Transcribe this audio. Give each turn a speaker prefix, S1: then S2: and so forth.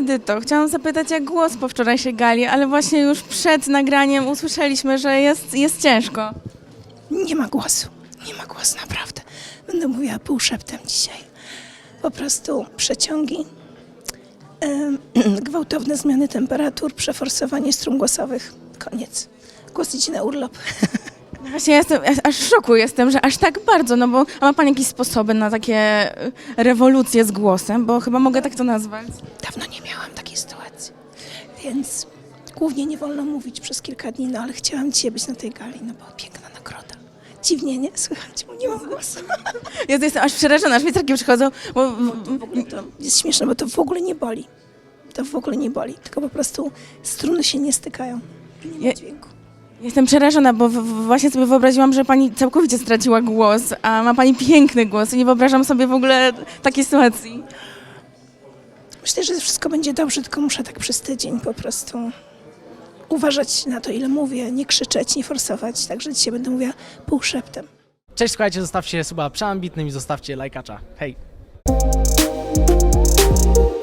S1: Edyto, chciałam zapytać jak głos po wczorajszej gali, ale właśnie już przed nagraniem usłyszeliśmy, że jest ciężko.
S2: Nie ma głosu, naprawdę. Będę mówiła półszeptem dzisiaj. Po prostu przeciągi, gwałtowne zmiany temperatur, przeforsowanie strun głosowych. Koniec. Głos idzie na urlop.
S1: Właśnie aż w szoku jestem, że aż tak bardzo, no bo a ma Pani jakieś sposoby na takie rewolucje z głosem, bo chyba mogę tak to nazwać.
S2: Dawno nie miałam takiej sytuacji, więc głównie nie wolno mówić przez kilka dni, no ale chciałam dzisiaj być na tej gali, no była piękna nagroda. Dziwnie, nie? Słychać, bo nie mam głosu.
S1: Ja jestem aż przerażona, aż mi takie przychodzą, bo
S2: W ogóle to jest śmieszne, bo to w ogóle nie boli. To w ogóle nie boli, tylko po prostu struny się nie stykają. Nie ma dźwięku.
S1: jestem przerażona, bo właśnie sobie wyobraziłam, że Pani całkowicie straciła głos, a ma Pani piękny głos i nie wyobrażam sobie w ogóle takiej sytuacji.
S2: Myślę, że wszystko będzie dobrze, tylko muszę tak przez tydzień po prostu uważać na to, ile mówię, nie krzyczeć, nie forsować. Także dzisiaj będę mówiła półszeptem.
S3: Cześć, słuchajcie, zostawcie suba przeambitnym i zostawcie lajkacza. Hej!